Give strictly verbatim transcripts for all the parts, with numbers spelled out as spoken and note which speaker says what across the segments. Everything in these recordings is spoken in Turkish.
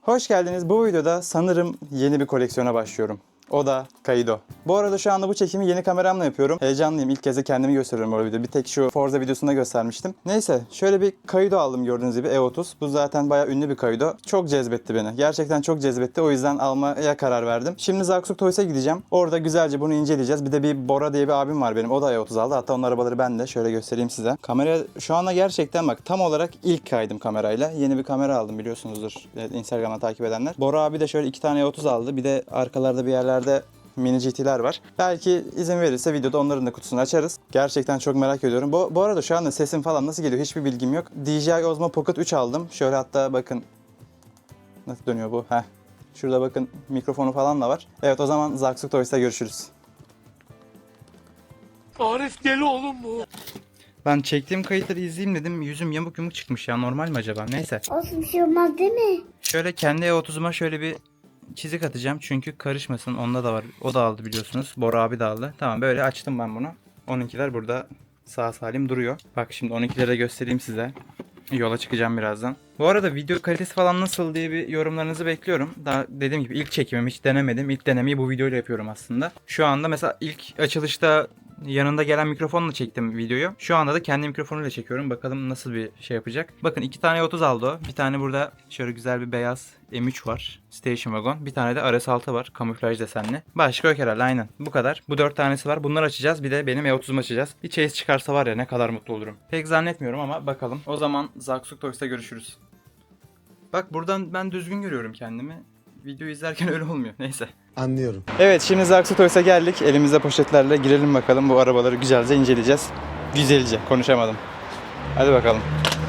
Speaker 1: Hoş geldiniz. Bu videoda sanırım yeni bir koleksiyona başlıyorum. O da Kaido. Bu arada şu anda bu çekimi yeni kameramla yapıyorum. Heyecanlıyım. İlk kez de kendimi gösteriyorum bu videoda. Bir tek şu Forza videosunda göstermiştim. Neyse, şöyle bir Kaido aldım gördüğünüz gibi E otuz. Bu zaten bayağı ünlü bir Kaido. Çok cezbetti beni. Gerçekten çok cezbetti. O yüzden almaya karar verdim. Şimdi Zaksuk Toys'a gideceğim. Orada güzelce bunu inceleyeceğiz. Bir de bir Bora diye bir abim var benim. O da E otuz aldı. Hatta onun arabaları ben de. Şöyle göstereyim size. Kamera şu anda gerçekten bak tam olarak ilk kaydım kamerayla. Yeni bir kamera aldım biliyorsunuzdur. Instagram'dan takip edenler. Bora abi de şöyle iki tane E otuz aldı. Bir de arkalarda bir yerler mini G T'ler var. Belki izin verirse videoda onların da kutusunu açarız. Gerçekten çok merak ediyorum. Bu, bu arada şu anda sesim falan nasıl geliyor hiçbir bilgim yok. D J I Osmo Pocket üç aldım. Şöyle hatta bakın. Nasıl dönüyor bu? Heh. Şurada bakın mikrofonu falan da var. Evet o zaman Zaksuk Toys'ta görüşürüz.
Speaker 2: Arif deli oğlum bu.
Speaker 1: Ben çektiğim kayıtları izleyeyim dedim. Yüzüm yamuk yumuk çıkmış ya. Normal mi acaba? Neyse.
Speaker 3: Olsun, bir şey olmaz değil mi?
Speaker 1: Şöyle kendi E otuz'uma şöyle bir çizik atacağım çünkü karışmasın. Onda da var. O da aldı biliyorsunuz. Bora abi de aldı. Tamam böyle açtım ben bunu. onunkiler burada sağ salim duruyor. Bak şimdi onunkileri de göstereyim size. Yola çıkacağım birazdan. Bu arada video kalitesi falan nasıl diye bir yorumlarınızı bekliyorum. Daha dediğim gibi ilk çekimim, hiç denemedim. İlk denemeyi bu videoyla yapıyorum aslında. Şu anda mesela ilk açılışta yanında gelen mikrofonla çektim videoyu. Şu anda da kendi mikrofonuyla çekiyorum. Bakalım nasıl bir şey yapacak. Bakın iki tane E otuz aldı o. Bir tane burada şöyle güzel bir beyaz M üç var. Station Wagon. Bir tane de R S altı var. Kamuflaj desenli. Başka yok herhalde aynen. Bu kadar. Bu dört tanesi var. Bunları açacağız. Bir de benim E otuz'umu açacağız. Bir chase çıkarsa var ya ne kadar mutlu olurum. Pek zannetmiyorum ama bakalım. O zaman Zaksuk Toys'ta görüşürüz. Bak buradan ben düzgün görüyorum kendimi. Video izlerken öyle olmuyor. Neyse.
Speaker 4: Anlıyorum.
Speaker 1: Evet şimdi Zaksuk Toys'a geldik. Elimizde poşetlerle girelim bakalım. Bu arabaları güzelce inceleyeceğiz. Güzelce. Konuşamadım. Hadi bakalım.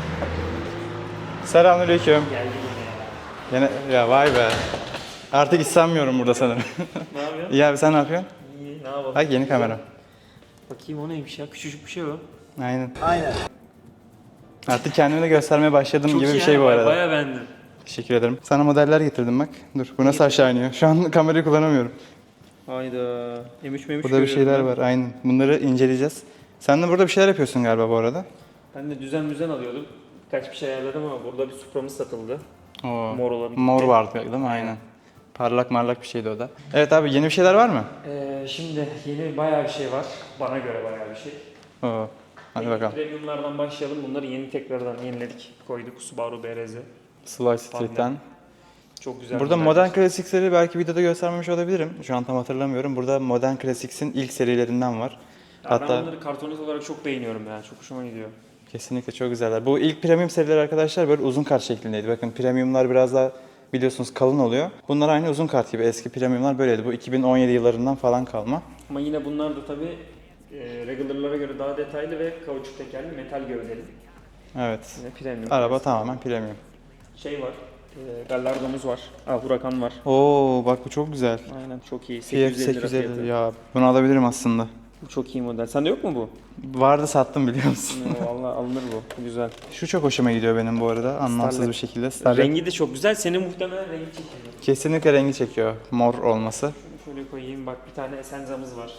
Speaker 1: Selamünaleyküm. Yine ya vay be. Artık hiç sanmıyorum burada sanırım.
Speaker 2: Ne yapıyorsun?
Speaker 1: İyi abi sen ne yapıyorsun?
Speaker 2: İyi, ne yapalım?
Speaker 1: Bak yeni kamera.
Speaker 2: Bakayım o neymiş ya? Küçücük bir şey o.
Speaker 1: Aynen.
Speaker 4: Aynen.
Speaker 1: Artık kendimi de göstermeye başladım
Speaker 2: Çok
Speaker 1: gibi
Speaker 2: iyi
Speaker 1: bir şey
Speaker 2: ha,
Speaker 1: bu arada.
Speaker 2: Bayağı beğendim.
Speaker 1: Teşekkür ederim. Sana modeller getirdim bak. Dur bu nasıl aşağı iniyor? Şu an kamerayı kullanamıyorum.
Speaker 2: Hayda. M üç M üç
Speaker 1: Burada bir şeyler var aynen. Bunları inceleyeceğiz. Sen de burada bir şeyler yapıyorsun galiba bu arada.
Speaker 2: Ben de düzen düzen alıyordum. Birkaç bir şey ayarladım ama burada bir Supra'mız satıldı.
Speaker 1: Oo.
Speaker 2: Mor olan.
Speaker 1: Mor vardı değil mi? Aynen. Parlak marlak bir şeydi o da. Evet abi yeni bir şeyler var mı?
Speaker 2: Ee, şimdi yeni bayağı bir şey var. Bana göre bayağı bir şey.
Speaker 1: Oo. Hadi
Speaker 2: Yeni
Speaker 1: bakalım.
Speaker 2: Premium'lardan başlayalım. Bunları yeni tekrardan yeniledik. Koyduk. Subaru B R Z.
Speaker 1: Slice Street'ten.
Speaker 2: Çok güzel.
Speaker 1: Burada
Speaker 2: modeller.
Speaker 1: Modern Classics'leri belki videoda göstermemiş olabilirim. Şu an tam hatırlamıyorum. Burada Modern Classics'in ilk serilerinden var.
Speaker 2: Ya
Speaker 1: Hatta
Speaker 2: ben onları kartonet olarak çok beğeniyorum ya. Çok hoşuma gidiyor.
Speaker 1: kesinlikle çok güzeller. Bu ilk premium serileri arkadaşlar böyle uzun kart şeklindeydi. Bakın premiumlar biraz daha biliyorsunuz kalın oluyor. Bunlar aynı uzun kart gibi. Eski premiumlar böyleydi. Bu iki bin on yedi yıllarından falan kalma.
Speaker 2: Ama yine bunlar da tabii e, regular'lara göre daha detaylı ve kauçuk tekerli, metal gövdeli.
Speaker 1: Evet.
Speaker 2: Yine premium.
Speaker 1: Araba tamamen premium.
Speaker 2: Şey var, e, Gallardo'muz var. Ah, Huracan var.
Speaker 1: Oo bak bu çok güzel.
Speaker 2: Aynen çok iyi.
Speaker 1: F
Speaker 2: sekiz yüz elli lira
Speaker 1: sekiz yüz
Speaker 2: fiyatı.
Speaker 1: elli ya. Bunu alabilirim aslında.
Speaker 2: Bu çok iyi model. Sende yok mu bu?
Speaker 1: Vardı sattım biliyor musun?
Speaker 2: Valla alınır bu. Güzel.
Speaker 1: Şu çok hoşuma gidiyor benim bu arada. Anlamsız
Speaker 2: Starlet.
Speaker 1: bir şekilde. Starlet.
Speaker 2: Rengi de çok güzel. Senin muhtemelen rengi çekiyor.
Speaker 1: Kesinlikle rengi çekiyor. Mor olması.
Speaker 2: Şunu şöyle koyayım. Bak bir tane Essenza'mız var.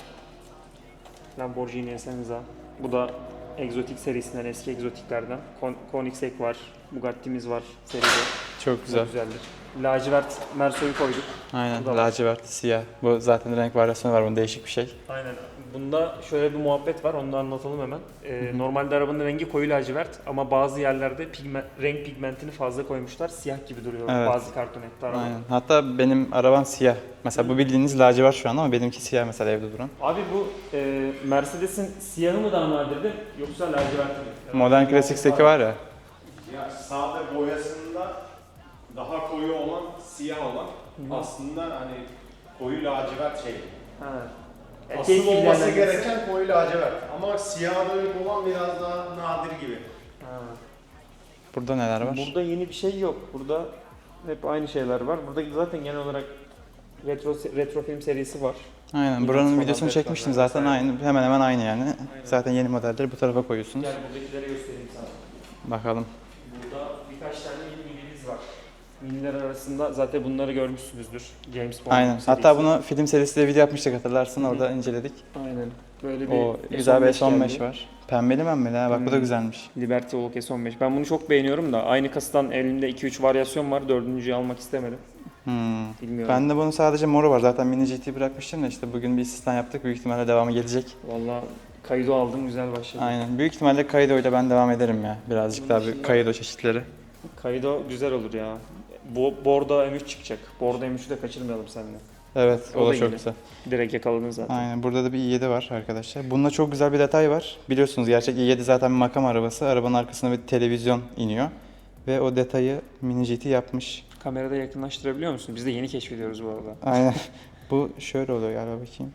Speaker 2: Lamborghini Essenza. Bu da egzotik serisinden, eski egzotiklerden. Kon- Koenigsegg var. Bugatti'miz var seride.
Speaker 1: Çok güzel.
Speaker 2: Çok güzeldir. Lacivert Merso'yu koyduk.
Speaker 1: Aynen.
Speaker 2: Bu da var.
Speaker 1: Lacivert, siyah. Bu zaten renk varyasyonu var. Bunun değişik bir şey.
Speaker 2: Aynen. Bunda şöyle bir muhabbet var, onu da anlatalım hemen. Ee, normalde arabanın rengi koyu lacivert ama bazı yerlerde pigmen, renk pigmentini fazla koymuşlar. Siyah gibi duruyor
Speaker 1: Evet.
Speaker 2: bazı kartonette araba.
Speaker 1: Aynen. Hatta benim arabam siyah. Mesela bu bildiğiniz lacivert şu an ama benimki siyah mesela evde duran.
Speaker 2: Abi bu e, Mercedes'in siyahı mı daha nadirdi yoksa lacivert mi?
Speaker 1: Modern Classics'teki var ya.
Speaker 4: Ya sade boyasında daha koyu olan, siyah olan aslında hani koyu lacivert şey.
Speaker 2: Ha.
Speaker 4: Asıl
Speaker 2: keyif
Speaker 4: olması
Speaker 2: ilgilenmesi-
Speaker 4: gereken koyu lacivert. Ama siyah dönük olan biraz daha nadir gibi.
Speaker 2: Ha.
Speaker 1: Burada neler var?
Speaker 2: Burada yeni bir şey yok. Burada hep aynı şeyler var. Burada zaten genel olarak retro retro film serisi var.
Speaker 1: Aynen.
Speaker 2: Yine
Speaker 1: Buranın
Speaker 2: falan
Speaker 1: videosunu
Speaker 2: detaylar
Speaker 1: çekmiştim zaten
Speaker 2: vesaire.
Speaker 1: aynı. Hemen hemen aynı yani. Zaten yeni modelleri bu tarafa koyuyorsunuz.
Speaker 2: Gel buradakileri göstereyim sana.
Speaker 1: Bakalım.
Speaker 2: Burada birkaç tane yeni minimiz var. Miniler arasında zaten bunları görmüşsünüzdür. James Bond
Speaker 1: Aynen.
Speaker 2: serisi.
Speaker 1: Hatta bunu film serisiyle video yapmıştık hatırlarsın. Orada inceledik.
Speaker 2: Aynen. Böyle bir
Speaker 1: O güzel bir S on beş
Speaker 2: geldi.
Speaker 1: var. Pembeli pembeli ha bak bu da
Speaker 2: Hmm.
Speaker 1: güzelmiş.
Speaker 2: Liberty Walk S on beş. Ben bunu çok beğeniyorum da aynı kasadan elimde iki üç varyasyon var. Dördüncüyü almak istemedim.
Speaker 1: Hmm.
Speaker 2: Bilmiyorum.
Speaker 1: Ben de bunun sadece moru var. Zaten mini G T bırakmıştım da işte bugün bir istisna yaptık. Büyük ihtimalle devamı gelecek.
Speaker 2: Valla Kaido aldım, güzel başladı.
Speaker 1: Aynen. Büyük ihtimalle Kaido ile ben devam ederim ya. Birazcık daha bir Kaido çeşitleri.
Speaker 2: Kaido güzel olur ya. Bu Bordo M üç çıkacak. Bordo M üçü de kaçırmayalım seninle.
Speaker 1: Evet o,
Speaker 2: O
Speaker 1: da
Speaker 2: da
Speaker 1: çok
Speaker 2: yeni.
Speaker 1: güzel.
Speaker 2: Direkt yakaladın zaten.
Speaker 1: Aynen burada da bir i yedi var arkadaşlar. Bunda çok güzel bir detay var. Biliyorsunuz gerçek i yedi zaten bir makam arabası. Arabanın arkasına bir televizyon iniyor. Ve o detayı mini G T yapmış.
Speaker 2: Kamerada yakınlaştırabiliyor musun? Biz de yeni keşfediyoruz bu arada.
Speaker 1: Aynen. Bu şöyle oluyor galiba bakayım.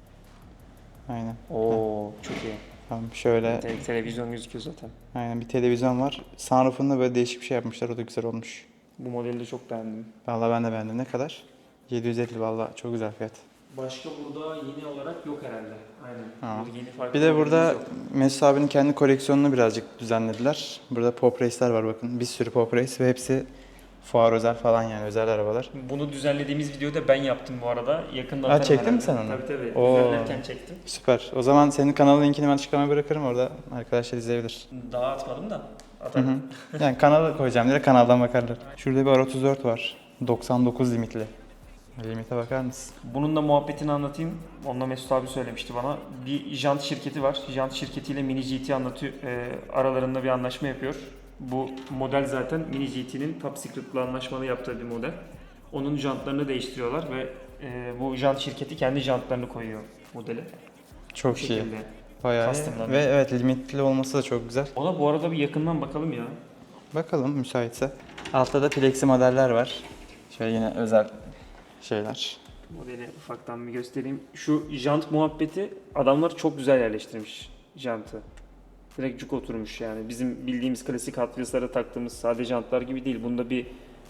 Speaker 1: Aynen.
Speaker 2: Oo çok iyi.
Speaker 1: Tamam şöyle.
Speaker 2: Te- televizyon gözüküyor zaten.
Speaker 1: Aynen bir televizyon var. Sunroof'unda böyle değişik bir şey yapmışlar. O da güzel olmuş.
Speaker 2: Bu modeli de çok beğendim.
Speaker 1: Vallahi ben de beğendim. Ne kadar? yedi yüz elli vallahi çok güzel fiyat.
Speaker 2: Başka burada yeni olarak yok herhalde. Aynen.
Speaker 1: Ha.
Speaker 2: Burada yeni farklı
Speaker 1: Bir de
Speaker 2: modelimiz
Speaker 1: burada
Speaker 2: yok.
Speaker 1: Mesut abinin kendi koleksiyonunu birazcık düzenlediler. Burada Pop Race'ler var bakın. Bir sürü Pop Race ve hepsi fuar özel falan yani özel arabalar.
Speaker 2: Bunu düzenlediğimiz videoyu da ben yaptım bu arada. Yakında
Speaker 1: Ha,
Speaker 2: atarım
Speaker 1: çektin mi
Speaker 2: herhalde.
Speaker 1: sen onu?
Speaker 2: Tabii tabii.
Speaker 1: Oo.
Speaker 2: Düzenlerken çektim.
Speaker 1: Süper. O zaman senin kanalın linkini ben açıklamaya bırakırım. Orada arkadaşlar izleyebilir.
Speaker 2: Daha atmadım da
Speaker 1: Hı
Speaker 2: atarım.
Speaker 1: hı. Yani kanala koyacağım diye kanaldan bakarlar. Şurada bir R otuz dört var. doksan dokuz limitli. Limite bakar mısın?
Speaker 2: Bunun da muhabbetini anlatayım. Onunla Mesut abi söylemişti bana. Bir jant şirketi var. Jant şirketiyle Mini G T anlatıyor. E, aralarında bir anlaşma yapıyor. Bu model zaten Mini G T'nin Top Secret'la anlaşmalı yaptığı bir model. Onun jantlarını değiştiriyorlar ve e, bu jant şirketi kendi jantlarını koyuyor modele.
Speaker 1: Çok
Speaker 2: Bu
Speaker 1: iyi.
Speaker 2: şekilde.
Speaker 1: Bayağı iyi.
Speaker 2: Custom'dan.
Speaker 1: Ve evet limitli olması da çok güzel.
Speaker 2: Ona bu arada bir yakından bakalım ya.
Speaker 1: Bakalım müsaitse. Altta da plexi modeller var. Şöyle yine özel şeyler.
Speaker 2: Modeli ufaktan bir göstereyim. Şu jant muhabbeti adamlar çok güzel yerleştirmiş jantı. Direkt cuk oturmuş yani. Bizim bildiğimiz klasik Hot Wheels'lara taktığımız sade jantlar gibi değil. Bunda bir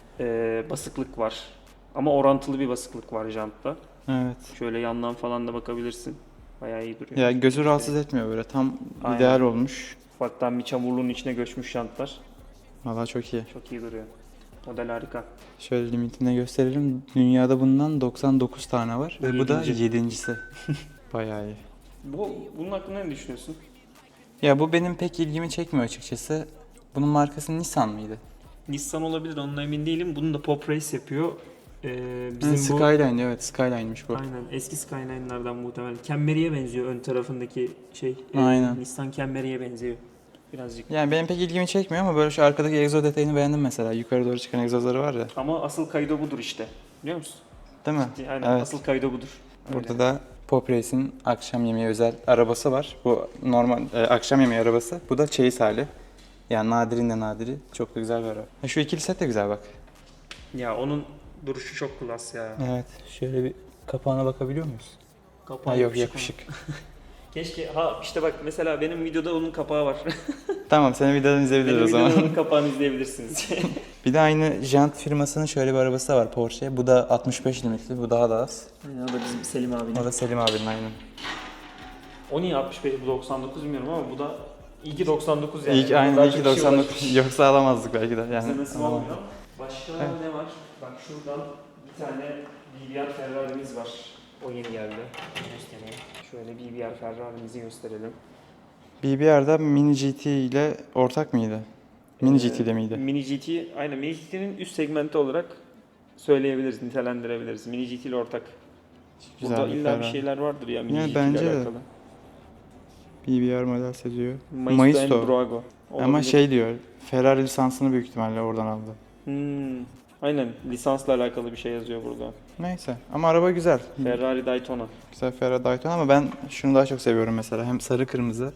Speaker 2: e, basıklık var. Ama orantılı bir basıklık var jantta.
Speaker 1: Evet.
Speaker 2: Şöyle yandan falan da bakabilirsin. Bayağı iyi duruyor.
Speaker 1: Ya gözü rahatsız etmiyor böyle. Tam
Speaker 2: Aynen.
Speaker 1: ideal olmuş.
Speaker 2: Ufaktan bir çamurluğun içine göçmüş jantlar.
Speaker 1: Vallahi çok iyi.
Speaker 2: Çok iyi duruyor. Model harika.
Speaker 1: Şöyle limitine gösterelim. Dünyada bundan doksan dokuz tane var.
Speaker 2: Bu
Speaker 1: Ve bu da
Speaker 2: yedinci.
Speaker 1: yedincisi. Bayağı iyi.
Speaker 2: Bu, bunun hakkında ne düşünüyorsun?
Speaker 1: Ya bu benim pek ilgimi çekmiyor açıkçası. Bunun markası Nissan mıydı?
Speaker 2: Nissan olabilir, onunla emin değilim. Bunu da Pop Race yapıyor. Ee,
Speaker 1: Bizim
Speaker 2: bizim bu
Speaker 1: Skyline evet Skyline'miş bu.
Speaker 2: aynen eski Skyline'lardan muhtemelen. Camry'e benziyor ön tarafındaki şey. Ee,
Speaker 1: Aynen.
Speaker 2: Nissan Camry'e benziyor birazcık.
Speaker 1: Yani benim pek ilgimi çekmiyor ama böyle şu arkadaki egzoz detayını beğendim mesela. Yukarı doğru çıkan egzozları var ya.
Speaker 2: Ama asıl Kaido budur işte. Biliyor musun?
Speaker 1: Değil mi?
Speaker 2: Aynen
Speaker 1: Evet.
Speaker 2: asıl Kaido budur.
Speaker 1: Burada
Speaker 2: Öyle.
Speaker 1: da Pop Race'in akşam yemeği özel arabası var. Bu normal e, akşam yemeği arabası. Bu da çeyiz hali. Yani nadirin de nadiri. Çok da güzel bir araba. Ha, şu ikili set de güzel bak.
Speaker 2: Ya onun duruşu çok klas ya.
Speaker 1: Evet. Şöyle bir kapağına bakabiliyor muyuz?
Speaker 2: Kapağı
Speaker 1: Ha, yok
Speaker 2: yapışık
Speaker 1: yapışık.
Speaker 2: ama. Keşke ha işte bak mesela benim videoda onun kapağı var.
Speaker 1: Tamam senin videodan izleyebiliriz
Speaker 2: benim
Speaker 1: o zaman.
Speaker 2: videoda onun kapağını izleyebilirsiniz.
Speaker 1: Bir de aynı Jant firmasının şöyle bir arabası da var Porsche. Bu da altmış beş limitli. Bu daha da az.
Speaker 2: Aynen o da bizim Selim abinin.
Speaker 1: O da Selim abinin aynen.
Speaker 2: O niye altmış beş bu doksan dokuz bilmiyorum ama bu da iyi ki doksan dokuz yani.
Speaker 1: İyi ki
Speaker 2: Daha
Speaker 1: aynen
Speaker 2: çok
Speaker 1: iyi ki
Speaker 2: kişi
Speaker 1: doksan dokuz.
Speaker 2: ulaşmış.
Speaker 1: Yoksa alamazdık belki de. Yani,
Speaker 2: Bize nasip
Speaker 1: alamazdık.
Speaker 2: olmuyor. Başka
Speaker 1: Evet.
Speaker 2: ne var? Bak şuradan bir tane B B R Ferrari'miz var. O yeni geldi. Göstereyim. Şöyle B B R Ferrari'mizi gösterelim.
Speaker 1: B B R'da Mini G T ile ortak mıydı? Mini
Speaker 2: Ee,
Speaker 1: G T'de miydi?
Speaker 2: Mini G T, aynen Mini G T'nin üst segmenti olarak söyleyebiliriz, nitelendirebiliriz. Mini G T ile ortak.
Speaker 1: Güzel
Speaker 2: Burada
Speaker 1: bir
Speaker 2: illa bir
Speaker 1: Ferrari.
Speaker 2: şeyler vardır ya Mini
Speaker 1: Ya
Speaker 2: G T
Speaker 1: bence
Speaker 2: ile
Speaker 1: de.
Speaker 2: alakalı.
Speaker 1: B B R model seziyor.
Speaker 2: Maisto,
Speaker 1: Maisto.
Speaker 2: and Brago.
Speaker 1: Ama
Speaker 2: Olabilir.
Speaker 1: şey diyor, Ferrari lisansını büyük ihtimalle oradan aldı.
Speaker 2: Hmm, aynen lisansla alakalı bir şey yazıyor burada.
Speaker 1: Neyse ama araba güzel.
Speaker 2: Ferrari Daytona.
Speaker 1: Güzel Ferrari Daytona ama ben şunu daha çok seviyorum mesela. Hem sarı kırmızı.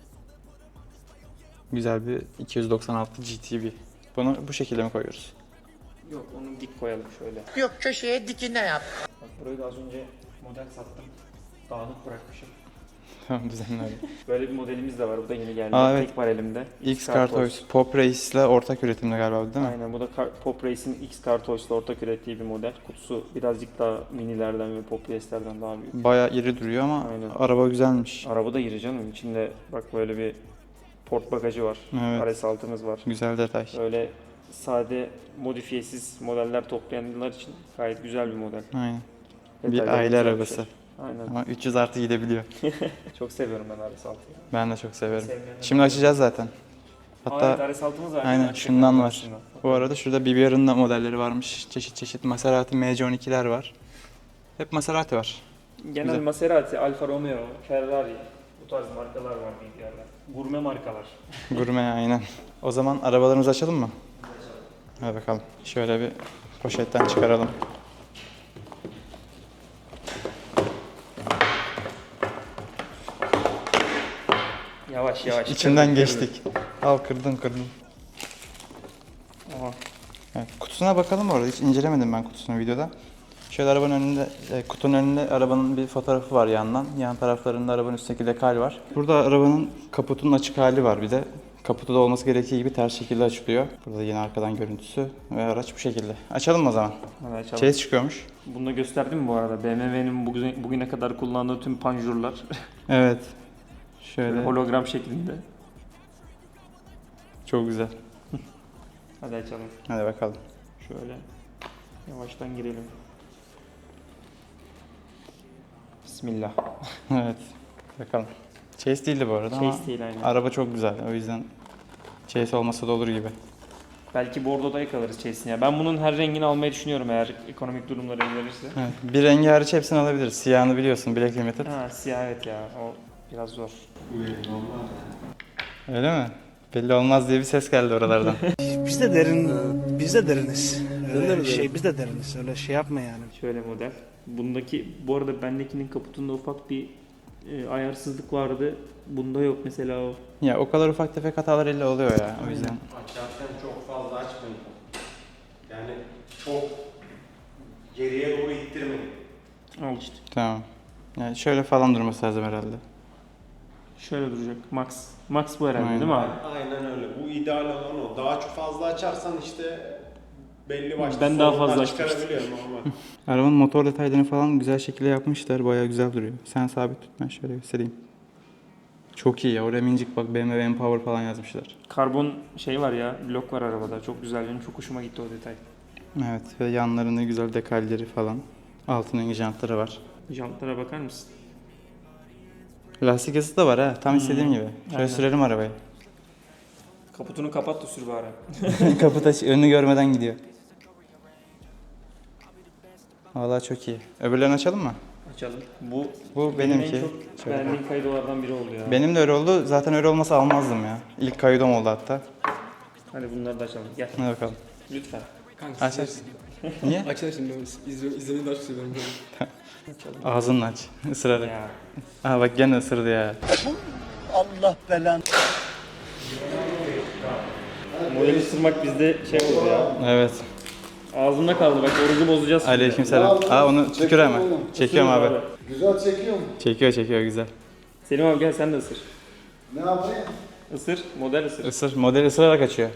Speaker 1: Güzel bir iki yüz doksan altı G T B. Bunu bu şekilde mi koyuyoruz?
Speaker 2: Yok onu dik koyalım şöyle.
Speaker 3: Yok köşeye dikine yap.
Speaker 2: Bak burayı da az önce model sattım. Dağınık bırakmışım.
Speaker 1: Tamam düzenli.
Speaker 2: Böyle bir modelimiz de var. Bu da yeni geldi.
Speaker 1: Aa, evet.
Speaker 2: Tek var elimde.
Speaker 1: X-Car Toys. Pop Race ile ortak üretimde galiba değil mi?
Speaker 2: Aynen bu da Car- Pop Race'in X-Car Toys'la ortak ürettiği bir model. Kutusu birazcık daha minilerden ve Pop Race'lerden daha büyük.
Speaker 1: Bayağı iri duruyor ama
Speaker 2: Aynen.
Speaker 1: araba güzelmiş.
Speaker 2: Araba da iri canım. İçinde bak böyle bir port bagajı var.
Speaker 1: Evet.
Speaker 2: R S altımız var.
Speaker 1: Güzel detay.
Speaker 2: Böyle sade modifiyesiz modeller toplayanlar için gayet güzel bir model.
Speaker 1: Aynen.
Speaker 2: Detayları
Speaker 1: Bir aile
Speaker 2: güzel
Speaker 1: arabası.
Speaker 2: şey. Aynen.
Speaker 1: Ama üç yüz artı gidebiliyor.
Speaker 2: Çok seviyorum ben R S altıyı.
Speaker 1: Ben de çok severim.
Speaker 2: Sevmeyenler
Speaker 1: Şimdi açacağız zaten.
Speaker 2: Hatta
Speaker 1: Hatta
Speaker 2: R S altımız var.
Speaker 1: aynen
Speaker 2: Gerçekten
Speaker 1: şundan var.
Speaker 2: aslında.
Speaker 1: Bu arada şurada B B R'ın da modelleri varmış. Çeşit çeşit Maserati M C on ikiler var. Hep Maserati var.
Speaker 2: Genel
Speaker 1: Güzel.
Speaker 2: Maserati, Alfa Romeo, Ferrari bu tarz markalar var B B R'ler. Gurme markalar.
Speaker 1: Gurme aynen. O zaman arabalarımızı açalım mı? Hadi bakalım. Şöyle bir poşetten çıkaralım.
Speaker 2: Yavaş yavaş.
Speaker 1: İçinden geçtik. Al kırdın kırdın.
Speaker 2: Aha.
Speaker 1: Evet, kutusuna bakalım orada. Hiç incelemedim ben kutusunu videoda. Şöyle arabanın önünde, e, kutunun önünde arabanın bir fotoğrafı var yandan. Yan taraflarında arabanın üstteki dekal var. Burada arabanın kaputunun açık hali var bir de. Kaputu da olması gerektiği gibi ters şekilde açılıyor. Burada yine arkadan görüntüsü ve araç bu şekilde. Açalım mı o zaman?
Speaker 2: Hadi açalım.
Speaker 1: Chase çıkıyormuş.
Speaker 2: Bunu da gösterdim mi bu arada? B M W'nin bugüne, bugüne kadar kullandığı tüm panjurlar
Speaker 1: Evet. Şöyle.
Speaker 2: hologram şeklinde.
Speaker 1: Çok güzel.
Speaker 2: Hadi açalım.
Speaker 1: Hadi bakalım.
Speaker 2: Şöyle yavaştan girelim. Bismillah.
Speaker 1: Evet. Bakalım. Chase değildi bu arada ama
Speaker 2: Chase değil aynen.
Speaker 1: araba çok güzel. O yüzden Chase olmasa da olur gibi.
Speaker 2: Belki bordoda yakalarız Chase'ini ya. Ben bunun her rengini almayı düşünüyorum eğer ekonomik durumları el verirse.
Speaker 1: Evet. Bir rengi hariç hepsini alabiliriz. Siyahını biliyorsun. Black Limited.
Speaker 2: Ha siyah evet ya. O biraz zor.
Speaker 1: Öyle mi? Belli olmaz diye bir ses geldi oralardan.
Speaker 3: Biz de derin, biz de deriniz. Öyle şey, biz de deriniz. Öyle şey yapma yani.
Speaker 2: Şöyle model. Bundaki, bu arada bendekinin kaputunda ufak bir e, ayarsızlık vardı. Bunda yok mesela o.
Speaker 1: Ya o kadar ufak tefek hatalar illa oluyor ya. O yüzden.
Speaker 4: Açarken çok fazla açmayın. Yani çok geriye doğru ittirmeyin.
Speaker 2: Al işte.
Speaker 1: Tamam. Yani şöyle falan durması lazım herhalde.
Speaker 2: Şöyle duracak. Max. Max bu herhalde
Speaker 1: Aynen.
Speaker 2: değil mi abi?
Speaker 4: Aynen öyle. Bu ideal olan o. Daha çok fazla açarsan işte belli başlı
Speaker 2: Ben daha
Speaker 4: sorunlar
Speaker 2: fazla açmıştım.
Speaker 4: çıkarabiliyor normal.
Speaker 1: Arabanın motor detaylarını falan güzel şekilde yapmışlar. Bayağı güzel duruyor. Sen sabit tut, ben şöyle göstereyim. Çok iyi ya. Oraya minicik bak B M W Empower falan yazmışlar.
Speaker 2: Karbon şey var ya, blok var arabada. Çok güzel. Benim çok hoşuma gitti o detay.
Speaker 1: Evet ve yanlarında güzel dekalleri falan. Altın rengi jantları var.
Speaker 2: Jantlara bakar mısın?
Speaker 1: Lastik ısısı da var ha. Tam istediğim gibi. Şöyle
Speaker 2: Aynen.
Speaker 1: sürelim arabayı.
Speaker 2: Kaputunu kapat da sür bari.
Speaker 1: Kaput aç, önünü görmeden gidiyor. Vallahi çok iyi. Öbürlerini açalım mı?
Speaker 2: Açalım. Bu
Speaker 1: Bu
Speaker 2: benim
Speaker 1: benimki.
Speaker 2: en çok
Speaker 1: Şöyle.
Speaker 2: beğendiğim kaydolardan biri oldu ya.
Speaker 1: Benim de öyle oldu. Zaten öyle olmasa almazdım ya. İlk kaydom oldu hatta.
Speaker 2: Hadi bunları da açalım. Gel.
Speaker 1: Hadi bakalım.
Speaker 2: Lütfen.
Speaker 5: Kanka
Speaker 1: Aç aç. Niye?
Speaker 5: Açın şimdi ben izliyorum, izlemeyi daha çok seviyorum.
Speaker 1: Ağzınla aç. Isırarak.
Speaker 2: Ya.
Speaker 1: Aha bak gene ısırdı ya.
Speaker 3: Allah belanı.
Speaker 2: Modeli ısırmak bizde şey oldu ya.
Speaker 1: Evet.
Speaker 2: Ağzımda kaldı bak orucu bozacağız şimdi.
Speaker 1: Aleykümselam. Aa onu tükür hemen. Çekiyorum
Speaker 2: Isırın
Speaker 1: abi.
Speaker 6: Güzel çekiyor mu?
Speaker 1: Çekiyor çekiyor güzel.
Speaker 2: Selim abi gel sen de ısır.
Speaker 6: Ne yapayım?
Speaker 2: Isır, model ısır.
Speaker 1: Isır. Model ısırarak açıyor.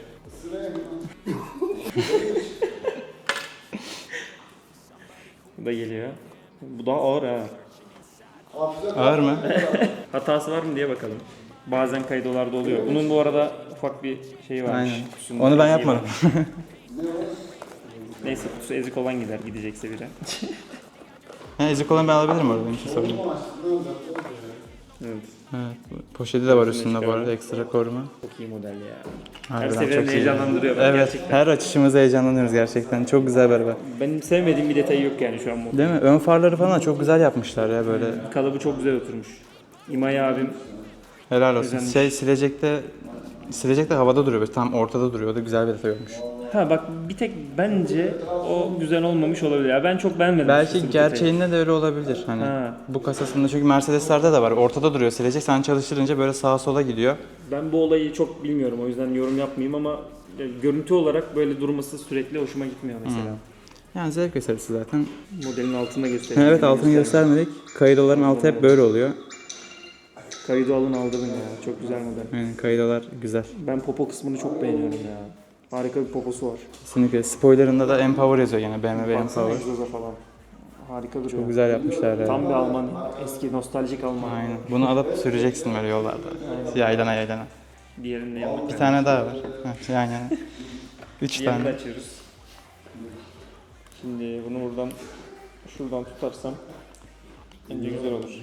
Speaker 2: Bu da geliyor. Bu daha ağır ha.
Speaker 1: Ağır mı?
Speaker 2: Hatası var mı diye bakalım. Bazen kaydolarda oluyor. Bunun bu arada ufak bir şeyi varmış.
Speaker 1: Aynen.
Speaker 2: Kutusunda
Speaker 1: Onu ben
Speaker 2: eziği
Speaker 1: yapmadım.
Speaker 2: varmış. Neyse kutusu ezik olan gider gidecekse biri.
Speaker 1: Ha, ezik olan ben alabilirim orada. Benim için sorun yok.
Speaker 2: Evet.
Speaker 1: Evet. Poşeti de var üstünde bu arada. Ekstra koruma.
Speaker 2: Çok iyi model ya. Her
Speaker 1: Harbiden
Speaker 2: seferinde
Speaker 1: çok iyi.
Speaker 2: heyecanlandırıyor beni
Speaker 1: Evet.
Speaker 2: gerçekten.
Speaker 1: Her açışımızda heyecanlanıyoruz gerçekten. Çok güzel bir araba.
Speaker 2: Benim sevmediğim bir detayı yok yani şu an bu.
Speaker 1: Değil mi? Ön farları falan çok güzel yapmışlar ya böyle.
Speaker 2: Kalıbı çok güzel oturmuş. İmay abim
Speaker 1: Helal olsun.
Speaker 2: Özenmiş.
Speaker 1: Şey silecekte silecekte havada duruyor. Böyle tam ortada duruyor. O da güzel bir detay olmuş.
Speaker 2: ha bak bir tek bence o güzel olmamış olabilir. Ya ben çok beğenmedim.
Speaker 1: Belki
Speaker 2: açıkçası bu detayı.
Speaker 1: gerçeğinde de öyle olabilir. Hani
Speaker 2: Ha.
Speaker 1: bu kasasında çünkü Mercedes'lerde de var. Ortada duruyor silecek. Sen çalıştırınca böyle sağa sola gidiyor.
Speaker 2: Ben bu olayı çok bilmiyorum o yüzden yorum yapmayayım ama ya, görüntü olarak böyle durması sürekli hoşuma gitmiyor mesela.
Speaker 1: Yani zevk meselesi zaten.
Speaker 2: Modelin altında göstereyim.
Speaker 1: Evet altını göstermedik. Kaydoların altı hep böyle oluyor.
Speaker 2: Kaydı alın aldırın ya. Çok güzel model.
Speaker 1: Yani kaydolar güzel.
Speaker 2: Ben popo kısmını çok beğeniyorum ya. Harika bir poposu var.
Speaker 1: Kesinlikle. Spoiler'ında da Empower yazıyor yine. B M W
Speaker 2: Baksana
Speaker 1: Empower.
Speaker 2: egzoza falan. Harika duruyor.
Speaker 1: Çok güzel yapmışlar ya.
Speaker 2: Tam bir Alman. Eski nostaljik Alman.
Speaker 1: Aynen. Bunu alıp süreceksin böyle yollarda. Yaylana yaylana.
Speaker 2: Diğerini de yapalım.
Speaker 1: Bir tane daha var. Heh, yan yana. Üç
Speaker 2: Diğerini de
Speaker 1: tane.
Speaker 2: açıyoruz. Şimdi bunu buradan şuradan tutarsam Bence güzel olur.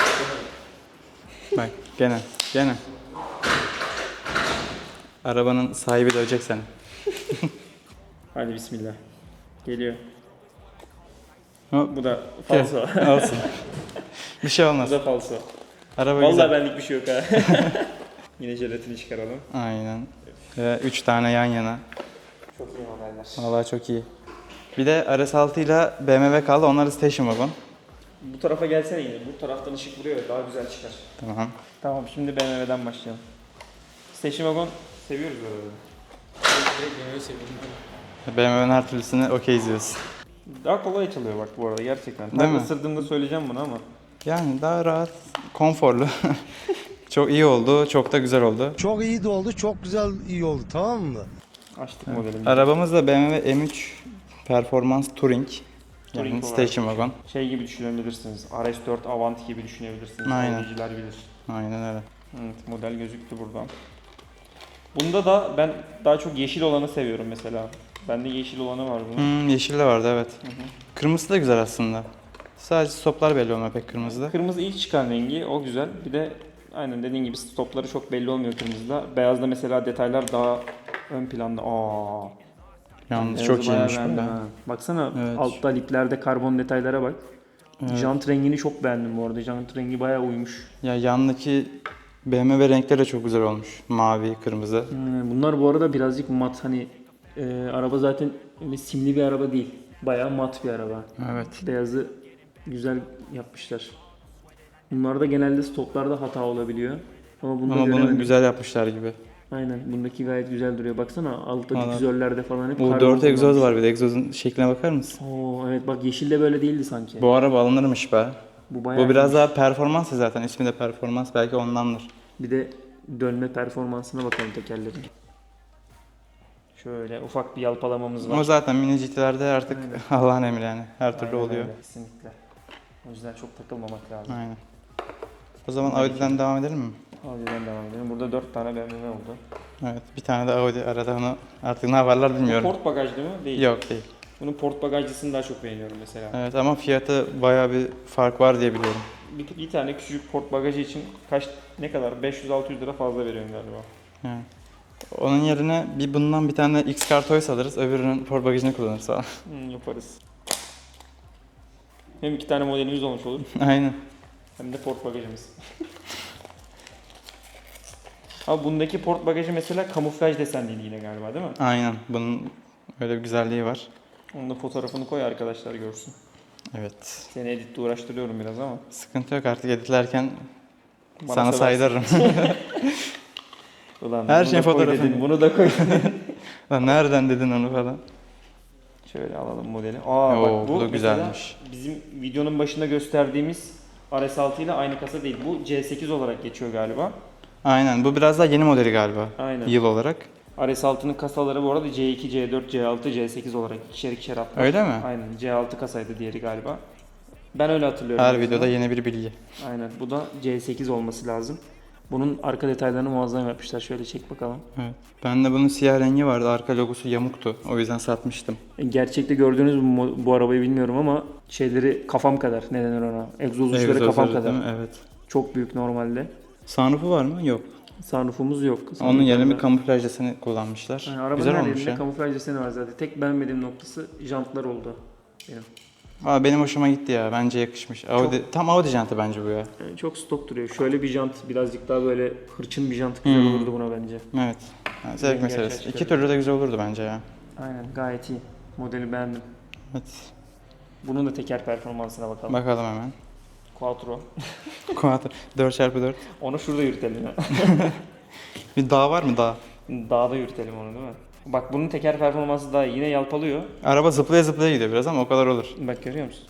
Speaker 1: Bak gene, gene. Arabanın sahibi dövecek seni.
Speaker 2: Hadi bismillah. Geliyor.
Speaker 1: Hop.
Speaker 2: Bu da falso.
Speaker 1: Olsun. Bir şey olmaz.
Speaker 2: Bu da falso.
Speaker 1: Araba
Speaker 2: Vallahi
Speaker 1: güzel.
Speaker 2: benlik bir şey yok ha. Yine jelatini çıkaralım.
Speaker 1: Aynen. Ve üç tane yan yana.
Speaker 2: Çok iyi modeller.
Speaker 1: Vallahi çok iyi. Bir de R S altı ile B M W kaldı. Onlar da station wagon.
Speaker 2: Bu tarafa gelsene yine. Bu taraftan ışık vuruyor ya, daha güzel çıkar.
Speaker 1: Tamam.
Speaker 2: Tamam, şimdi B M W'den başlayalım. Station Wagon seviyoruz böyle.
Speaker 5: Direkt yemeği seviyorum.
Speaker 1: B M W'nin her türlüsünü okey izliyoruz.
Speaker 2: Daha kolay açılıyor bak bu arada gerçekten.
Speaker 1: Değil
Speaker 2: Ben
Speaker 1: mi?
Speaker 2: ısırdığımda söyleyeceğim bunu ama.
Speaker 1: Yani daha rahat, konforlu. Çok iyi oldu, çok da güzel oldu.
Speaker 3: Çok iyi de oldu, çok güzel iyi oldu, tamam mı?
Speaker 2: Açtık modelimizi.
Speaker 1: Arabamız da B M W M üç Performance Touring. Yani
Speaker 2: Touring olarak.
Speaker 1: station wagon.
Speaker 2: Şey gibi düşünebilirsiniz. R S dört Avant gibi düşünebilirsiniz.
Speaker 1: Aynen.
Speaker 2: Audiciler bilir.
Speaker 1: Aynen öyle.
Speaker 2: Evet, model gözüktü buradan. Bunda da ben daha çok yeşil olanı seviyorum mesela. Bende yeşil olanı var bunun.
Speaker 1: Hmm, yeşil de vardı evet.
Speaker 2: Hı hı.
Speaker 1: Kırmızısı da güzel aslında. Sadece stoplar belli olmuyor pek kırmızıda.
Speaker 2: Kırmızı ilk çıkan rengi, o güzel. Bir de aynen dediğin gibi stopları çok belli olmuyor kırmızıda. Beyazda mesela detaylar daha ön planda. Aa.
Speaker 1: Yalnız
Speaker 2: Beyazı
Speaker 1: çok
Speaker 2: bayağı
Speaker 1: iyiymiş bu
Speaker 2: beğendim
Speaker 1: da.
Speaker 2: ha. Baksana
Speaker 1: Evet.
Speaker 2: altta liplerde karbon detaylara bak.
Speaker 1: Evet.
Speaker 2: Jant rengini çok beğendim bu arada. Jant rengi bayağı uymuş.
Speaker 1: Ya yandaki B M W renkleri de çok güzel olmuş. Mavi, kırmızı.
Speaker 2: Hmm, Bunlar bu arada birazcık mat, hani e, araba zaten öyle simli bir araba değil. Bayağı mat bir araba.
Speaker 1: Evet.
Speaker 2: Beyazı güzel yapmışlar. Bunlarda genelde stoplarda hata olabiliyor. Ama bunda
Speaker 1: Ama bunu
Speaker 2: göremedim.
Speaker 1: güzel yapmışlar gibi.
Speaker 2: Aynen, bundaki gayet güzel duruyor. Baksana altta
Speaker 1: Valla.
Speaker 2: difüzörlerde falan hep
Speaker 1: Bu
Speaker 2: karbon
Speaker 1: dört egzoz
Speaker 2: kullanmış.
Speaker 1: var bir de. Egzozun şekline bakar mısın?
Speaker 2: Oo evet, bak yeşilde böyle değildi sanki.
Speaker 1: Bu araba alınırmış be.
Speaker 2: Bu bayağı
Speaker 1: Bu biraz
Speaker 2: iyiymiş.
Speaker 1: daha performans ya zaten. İsmi de performans. Belki ondandır.
Speaker 2: Bir de dönme performansına bakalım tekerlerin. Şöyle ufak bir yalpalamamız var.
Speaker 1: Ama zaten mini G T'lerde artık Allah'ın emri yani. Her türlü
Speaker 2: Aynen
Speaker 1: oluyor.
Speaker 2: öyle, kesinlikle. O yüzden çok takılmamak lazım.
Speaker 1: Aynen. O zaman Audi'den devam edelim mi?
Speaker 2: Audi'den devam edelim. Burada dört tane B M W oldu.
Speaker 1: Evet. Bir tane de Audi arada, onu artık ne yaparlar
Speaker 2: Bu
Speaker 1: bilmiyorum.
Speaker 2: port bagaj değil mi? Değil.
Speaker 1: Yok değil.
Speaker 2: Bunun port bagajcısını daha çok beğeniyorum mesela.
Speaker 1: Evet ama fiyatı bayağı bir fark var diye biliyorum.
Speaker 2: Bir, bir tane küçücük port bagajı için kaç, ne kadar? beş yüz altı yüz lira fazla veriyorum galiba.
Speaker 1: Yani. Onun yerine bir bundan bir tane X-Car Toys alırız. Öbürünün port bagajını kullanırız falan.
Speaker 2: Hmm, yaparız. Hem iki tane modelimiz olmuş olur.
Speaker 1: Aynen.
Speaker 2: Hem de port bagajımız. Ama bundaki port bagajı mesela kamuflaj desenliydi yine galiba değil mi?
Speaker 1: Aynen. Bunun öyle bir güzelliği var.
Speaker 2: Onun da fotoğrafını koy arkadaşlar görsün.
Speaker 1: Evet.
Speaker 2: Seni editte uğraştırıyorum biraz ama.
Speaker 1: Sıkıntı yok artık editlerken
Speaker 2: Bana
Speaker 1: sana
Speaker 2: seversin.
Speaker 1: saydırırım.
Speaker 2: Ulan
Speaker 1: Her
Speaker 2: bunu
Speaker 1: şey
Speaker 2: da koy
Speaker 1: fotoğrafını.
Speaker 2: dedin, bunu da koy.
Speaker 1: Lan nereden dedin onu falan.
Speaker 2: Şöyle alalım modeli. Aa
Speaker 1: Oo,
Speaker 2: bak bu,
Speaker 1: bu da
Speaker 2: mesela
Speaker 1: güzelmiş.
Speaker 2: bizim videonun başında gösterdiğimiz R S altı ile aynı kasa değil. Bu C sekiz olarak geçiyor galiba.
Speaker 1: Aynen. Bu biraz daha yeni modeli galiba.
Speaker 2: Aynen.
Speaker 1: Yıl olarak.
Speaker 2: R S altının kasaları bu arada C iki, C dört, C altı, C sekiz olarak ikişer ikişer atlar.
Speaker 1: Öyle mi?
Speaker 2: Aynen. C altı kasaydı diğeri galiba. Ben öyle hatırlıyorum.
Speaker 1: Her
Speaker 2: en
Speaker 1: videoda
Speaker 2: azından.
Speaker 1: yeni bir bilgi.
Speaker 2: Aynen. Bu da C sekiz olması lazım. Bunun arka detaylarını muazzam yapmışlar. Şöyle çek bakalım.
Speaker 1: Evet. Bende bunun siyah rengi vardı. Arka logosu yamuktu. O yüzden satmıştım.
Speaker 2: E, Gerçekte gördüğünüz bu, mo- bu arabayı bilmiyorum ama şeyleri kafam kadar. Ne denir ona? Egzoz uçları
Speaker 1: Egzoz
Speaker 2: kafam
Speaker 1: öyle
Speaker 2: kadar.
Speaker 1: değil mi? Evet.
Speaker 2: Çok büyük normalde.
Speaker 1: Sunroofu var mı? Yok.
Speaker 2: Sunroofumuz yok.
Speaker 1: Onun
Speaker 2: Sunroofumuz
Speaker 1: yerine bir
Speaker 2: var.
Speaker 1: kamuflaj deseni kullanmışlar.
Speaker 2: Yani arabanın
Speaker 1: Güzel
Speaker 2: her
Speaker 1: olmuş
Speaker 2: yerinde
Speaker 1: ya.
Speaker 2: kamuflaj deseni var zaten. Tek beğenmediğim noktası jantlar oldu benim.
Speaker 1: Aa, benim hoşuma gitti ya. Bence yakışmış. Audi, tam Audi jantı bence bu ya.
Speaker 2: Yani çok stok duruyor. Şöyle bir jant, birazcık daha böyle hırçın bir jant güzel
Speaker 1: Hmm.
Speaker 2: olurdu buna bence.
Speaker 1: Evet. Ha, zevk
Speaker 2: Rengi
Speaker 1: meselesi.
Speaker 2: açığa
Speaker 1: İki
Speaker 2: çıkarıyor.
Speaker 1: türlü de güzel olurdu bence ya.
Speaker 2: Aynen, gayet iyi. Modeli beğendim.
Speaker 1: Evet.
Speaker 2: Bunun da teker performansına bakalım.
Speaker 1: Bakalım hemen.
Speaker 2: Quattro.
Speaker 1: Quattro. dört çarpı dört.
Speaker 2: Onu şurada yürütelim ya.
Speaker 1: Bir dağ var mı dağ?
Speaker 2: Dağda yürütelim onu değil mi? Bak bunun teker performansı daha iyi. Yine yalpalıyor.
Speaker 1: Araba zıplaya zıplaya gidiyor biraz ama o kadar olur.
Speaker 2: Bak görüyor musun?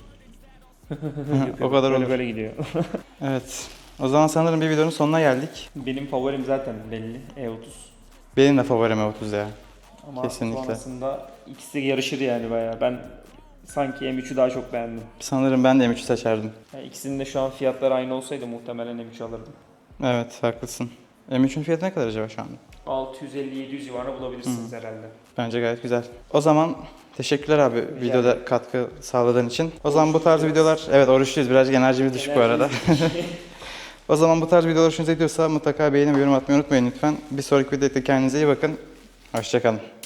Speaker 1: O kadar
Speaker 2: böyle
Speaker 1: olur.
Speaker 2: böyle gidiyor.
Speaker 1: Evet. O zaman sanırım bir videonun sonuna geldik.
Speaker 2: Benim favorim zaten belli. E otuz.
Speaker 1: Benim de favorim E otuz ya.
Speaker 2: Ama
Speaker 1: Kesinlikle.
Speaker 2: sonrasında ikisi yarışır yani bayağı. Ben sanki M üçü daha çok beğendim.
Speaker 1: Sanırım ben de M üçü seçerdim.
Speaker 2: Yani ikisinin de şu an fiyatları aynı olsaydı muhtemelen M üç alırdım.
Speaker 1: Evet, haklısın. M üçün fiyatı ne kadar acaba şu anda?
Speaker 2: altı yüz elli yedi yüz civarında bulabilirsiniz herhalde.
Speaker 1: Bence gayet güzel. O zaman teşekkürler abi videoda katkı sağladığın için. O zaman bu tarz videolar, evet oruçluyuz, birazcık enerjimiz düşük bu arada. O zaman bu tarz videolar hoşunuza gidiyorsa mutlaka beğenip yorum atmayı unutmayın lütfen. Bir sonraki videoda kendinize iyi bakın. Hoşçakalın.